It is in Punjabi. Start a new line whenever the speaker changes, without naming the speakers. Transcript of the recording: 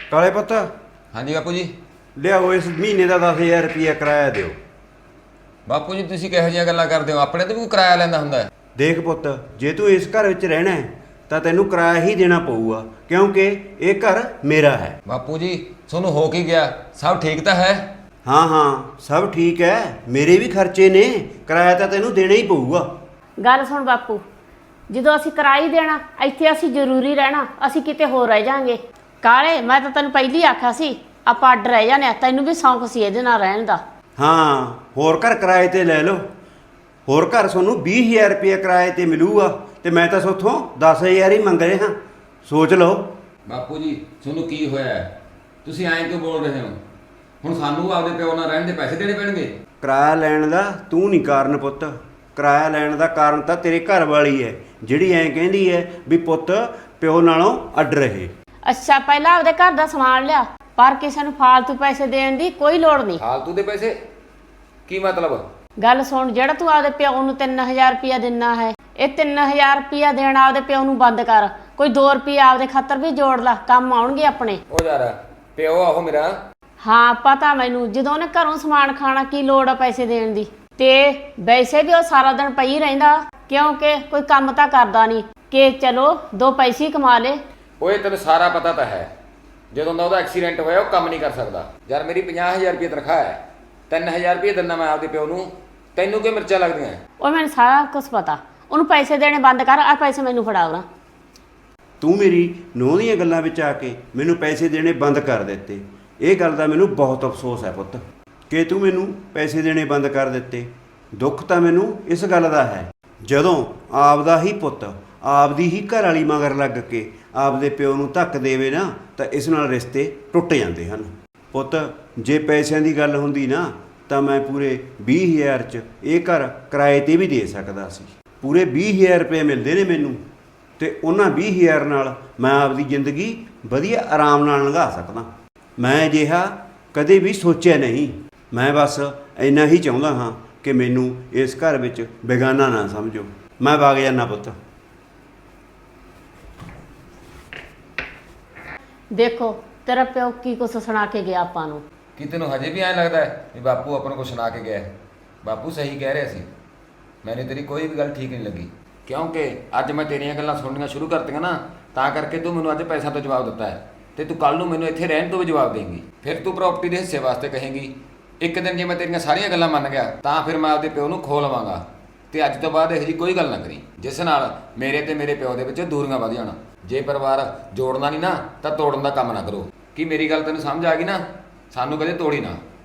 ਕਾਲੇ ਪੁੱਤ
हाँ जी बापू जी।
ਲਿਆਓ ਇਸ ਮਹੀਨੇ ਦਾ 10,000 ਰੁਪਇਆ ਕਿਰਾਇਆ ਦਿਓ।
ਬਾਪੂ ਜੀ ਤੁਸੀਂ ਕਿਹੋ ਜਿਹੀਆਂ ਗੱਲਾਂ ਕਰਦੇ ਹੋ? ਆਪਣੇ ਤੋਂ ਵੀ ਕੋਈ ਕਿਰਾਇਆ ਲੈਂਦਾ ਹੁੰਦਾ ਹੈ?
ਦੇਖ ਪੁੱਤ, ਜੇ ਤੂੰ ਇਸ ਘਰ ਵਿੱਚ ਰਹਿਣਾ ਹੈ ਤਾਂ ਤੈਨੂੰ ਕਿਰਾਇਆ ਹੀ ਦੇਣਾ ਪਊਗਾ, ਕਿਉਂਕਿ ਇਹ ਘਰ ਮੇਰਾ ਹੈ।
ਬਾਪੂ ਜੀ ਤੁਹਾਨੂੰ ਹੋ ਕੀ ਗਿਆ? ਸਭ ਠੀਕ ਤਾਂ ਹੈ?
ਹਾਂ ਹਾਂ, ਸਭ ਠੀਕ ਹੈ। ਮੇਰੇ ਵੀ ਖਰਚੇ ਨੇ, ਕਿਰਾਇਆ ਤਾਂ ਤੈਨੂੰ ਦੇਣਾ ਹੀ ਪਊਗਾ।
ਗੱਲ ਸੁਣ ਬਾਪੂ, ਜਦੋਂ ਅਸੀਂ ਕਿਰਾਇਆ ਦੇਣਾ, ਇੱਥੇ ਅਸੀਂ ਜ਼ਰੂਰੀ ਰਹਿਣਾ, ਅਸੀਂ ਕਿਤੇ ਹੋਰ ਰਹਿ ਜਾਾਂਗੇ। ਕਾਲੇ, ਮੈਂ ਤਾਂ ਤੈਨੂੰ ਪਹਿਲੀ ਆਖਿਆ ਸੀ ਆਪਾਂ ਅੱਡ ਰਹਿ ਜਾਂਦੇ ਆ, ਤੈਨੂੰ ਵੀ ਸ਼ੌਂਕ ਸੀ ਇਹਦੇ ਨਾਲ ਰਹਿਣ ਦਾ।
ਹਾਂ, ਹੋਰ ਘਰ ਕਿਰਾਏ ਤੇ ਲੈ ਲਓ। ਹੋਰ ਘਰ ਤੁਹਾਨੂੰ 20,000 ਰੁਪਇਆ ਕਿਰਾਏ ਤੇ ਮਿਲੂਗਾ ਤੇ ਮੈਂ ਤਾਂ ਸੋਥੋਂ 10,000 ਹੀ ਮੰਗ ਰਿਹਾ। ਸੋਚ ਲਓ।
ਬਾਪੂ ਜੀ ਤੁਹਾਨੂੰ ਕੀ ਹੋਇਆ ਹੈ? ਤੁਸੀਂ ਐਂ ਕਿਉਂ ਬੋਲ ਰਹੇ ਹੋ? ਹੁਣ ਸਾਨੂੰ ਆਪਦੇ ਪਿਓ ਨਾਲ ਰਹਿਣ ਦੇ ਪੈਸੇ ਦੇਣੇ ਪੈਣਗੇ?
ਕਿਰਾਇਆ ਲੈਣ ਦਾ ਤੂੰ ਨਹੀਂ ਕਾਰਨ ਪੁੱਤ, ਕਿਰਾਇਆ ਲੈਣ ਦਾ ਕਾਰਨ ਤਾਂ ਤੇਰੇ ਘਰ ਵਾਲੀ ਹੈ, ਜਿਹੜੀ ਐਂ ਕਹਿੰਦੀ ਹੈ ਵੀ ਪੁੱਤ ਪਿਓ ਨਾਲੋਂ ਅੱਡ ਰਹੇ।
ਅੱਛਾ, ਪਹਿਲਾਂ ਆਪਦੇ ਘਰ ਦਾ ਸਮਾਨ ਲਿਆ, ਪਰ ਕਿਸੇ ਨੂੰ ਫਾਲਤੂ ਪੈਸੇ ਦੇਣ ਦੀ ਕੋਈ ਲੋੜ ਨਹੀਂ।
ਫਾਲਤੂ ਦੇ ਪੈਸੇ? ਕੀ ਮਤਲਬ?
ਗੱਲ ਸੁਣ, ਜਿਹੜਾ ਤੂੰ ਆਪਦੇ ਪਿਓ ਨੂੰ 3,000 ਰੁਪਇਆ ਦਿੰਨਾ ਹੈ, ਇਹ 3,000 ਰੁਪਇਆ ਦੇਣਾ ਆਪਦੇ ਪਿਓ ਨੂੰ ਬੰਦ ਕਰ। ਕੋਈ 2 ਰੁਪਏ ਆਪਦੇ ਖਾਤਰ ਵੀ ਜੋੜ ਲਾ, ਕੰਮ ਆਉਣਗੇ ਆਪਣੇ।
ਉਹ ਯਾਰ ਪਿਓ ਆਹੋ ਮੇਰਾ।
ਹਾਂ ਪਤਾ ਮੈਨੂੰ, ਜਦੋਂ ਉਹਨੇ ਘਰੋਂ ਸਮਾਨ ਖਾਣਾ ਕੀ ਲੋੜ ਆ ਪੈਸੇ ਦੇਣ ਦੀ। ਤੇ ਵੈਸੇ ਵੀ ਉਹ ਸਾਰਾ ਦਿਨ ਪਈ ਰਹਿੰਦਾ, ਕਿਉਂਕਿ ਕੋਈ ਕੰਮ ਤਾਂ ਕਰਦਾ ਨਹੀਂ ਕਿ ਚਲੋ 2 ਪੈਸੇ ਹੀ ਕਮਾ ਲੇ।
ਓਏ ਤੈਨੂੰ ਸਾਰਾ ਪਤਾ ਤਾਂ ਹੈ, ਜਦੋਂ ਦਾ ਉਹਦਾ ਐਕਸੀਡੈਂਟ ਹੋਇਆ ਉਹ ਕੰਮ ਨਹੀਂ ਕਰ ਸਕਦਾ। ਯਾਰ ਮੇਰੀ 50,000 ਰੁਪਏ ਤਨਖਾਹ ਹੈ, 3,000 ਰੁਪਏ ਦਿੰਦਾ ਮੈਂ ਆਪਦੇ ਪਿਓ ਨੂੰ। ਤੈਨੂੰ ਕੀ ਮਿਰਚਾਂ ਲੱਗਦੀਆਂ?
ਉਹ ਮੈਨੂੰ ਸਾਰਾ ਕੁਝ ਪਤਾ, ਉਹਨੂੰ ਪੈਸੇ ਦੇਣੇ ਬੰਦ ਕਰ, ਆ ਪੈਸੇ ਮੈਨੂੰ ਫੜਾ ਉਹਨਾਂ।
ਤੂੰ ਮੇਰੀ ਨੂੰਹ ਦੀਆਂ ਗੱਲਾਂ ਵਿੱਚ ਆ ਕੇ ਮੈਨੂੰ ਪੈਸੇ ਦੇਣੇ ਬੰਦ ਕਰ ਦਿੱਤੇ। ਇਹ ਗੱਲ ਦਾ ਮੈਨੂੰ ਬਹੁਤ ਅਫਸੋਸ ਹੈ ਪੁੱਤ ਕਿ ਤੂੰ ਮੈਨੂੰ ਪੈਸੇ ਦੇਣੇ ਬੰਦ ਕਰ ਦਿੱਤੇ। ਦੁੱਖ ਤਾਂ ਮੈਨੂੰ ਇਸ ਗੱਲ ਦਾ ਹੈ, ਜਦੋਂ ਆਪਦਾ ਹੀ ਪੁੱਤ ਆਪਦੀ ਹੀ ਘਰ ਵਾਲੀ ਮਗਰ ਲੱਗ ਕੇ ਆਪਦੇ ਪਿਓ ਨੂੰ ਧੱਕ ਦੇਵੇ ਨਾ, ਤਾਂ ਇਸ ਨਾਲ ਰਿਸ਼ਤੇ ਟੁੱਟ ਜਾਂਦੇ ਹਨ। ਪੁੱਤ ਜੇ ਪੈਸਿਆਂ ਦੀ ਗੱਲ ਹੁੰਦੀ ਨਾ ਤਾਂ ਮੈਂ ਪੂਰੇ 20,000 'ਚ ਇਹ ਘਰ ਕਿਰਾਏ 'ਤੇ ਵੀ ਦੇ ਸਕਦਾ ਸੀ। ਪੂਰੇ 20,000 ਰੁਪਏ ਮਿਲਦੇ ਨੇ ਮੈਨੂੰ, ਤੇ ਉਹਨਾਂ 20,000 ਨਾਲ ਮੈਂ ਆਪਦੀ ਜ਼ਿੰਦਗੀ ਵਧੀਆ ਆਰਾਮ ਨਾਲ ਲੰਘਾ ਸਕਦਾ। ਮੈਂ ਅਜਿਹਾ ਕਦੇ ਵੀ ਸੋਚਿਆ ਨਹੀਂ। ਮੈਂ ਬਸ ਇੰਨਾ ਹੀ ਚਾਹੁੰਦਾ ਹਾਂ ਕਿ ਮੈਨੂੰ ਇਸ ਘਰ ਵਿੱਚ ਬੇਗਾਨਾ ਨਾ ਸਮਝੋ। ਮੈਂ ਵਗ ਜਾਂਦਾ ਪੁੱਤ।
ਦੇਖੋ ਤੇਰਾ ਪਿਓ ਕੀ ਕੁਛ ਸੁਣਾ ਕੇ ਗਿਆ ਆਪਾਂ ਨੂੰ।
ਕੀ ਤੈਨੂੰ ਹਜੇ ਵੀ ਐਂ ਲੱਗਦਾ ਹੈ ਵੀ ਬਾਪੂ ਆਪਾਂ ਨੂੰ ਕੁਛ ਸੁਣਾ ਕੇ ਗਿਆ ਹੈ? ਬਾਪੂ ਸਹੀ ਕਹਿ ਰਿਹਾ ਸੀ, ਮੈਨੂੰ ਤੇਰੀ ਕੋਈ ਵੀ ਗੱਲ ਠੀਕ ਨਹੀਂ ਲੱਗੀ, ਕਿਉਂਕਿ ਅੱਜ ਮੈਂ ਤੇਰੀਆਂ ਗੱਲਾਂ ਸੁਣਨੀਆਂ ਸ਼ੁਰੂ ਕਰਤੀਆਂ ਨਾ, ਤਾਂ ਕਰਕੇ ਤੂੰ ਮੈਨੂੰ ਅੱਜ ਪੈਸਾ ਤੋਂ ਜਵਾਬ ਦਿੱਤਾ ਹੈ, ਤੇ ਤੂੰ ਕੱਲ ਨੂੰ ਮੈਨੂੰ ਇੱਥੇ ਰਹਿਣ ਤੋਂ ਵੀ ਜਵਾਬ ਦੇਂਗੀ। ਫਿਰ ਤੂੰ ਪ੍ਰਾਪਰਟੀ ਦੇ ਹਿੱਸੇ ਵਾਸਤੇ ਕਹੇਂਗੀ। ਇੱਕ ਦਿਨ ਜੇ ਮੈਂ ਤੇਰੀਆਂ ਸਾਰੀਆਂ ਗੱਲਾਂ ਮੰਨ ਗਿਆ ਤਾਂ ਫਿਰ ਮੈਂ ਆਪਦੇ ਪਿਓ ਨੂੰ ਖੋ ਲਵਾਂਗਾ, ਤੇ ਅੱਜ ਤੋਂ ਬਾਅਦ ਇਹੋ ਜਿਹੀ ਕੋਈ ਗੱਲ ਨਾ ਕਰੀ ਜਿਸ ਨਾਲ ਮੇਰੇ ਤੇ ਮੇਰੇ ਪਿਓ ਦੇ ਵਿੱਚ ਦੂਰੀਆਂ ਵਧ ਜਾਣ। ਜੇ ਪਰਿਵਾਰ ਜੋੜਨਾ ਨਹੀਂ ਨਾ ਤਾਂ ਤੋੜਨ ਦਾ ਕੰਮ ਨਾ ਕਰੋ। ਕੀ ਮੇਰੀ ਗੱਲ ਤੈਨੂੰ ਸਮਝ ਆ ਗਈ ਨਾ? ਸਾਨੂੰ ਕਦੇ ਤੋੜੀ ਨਾ।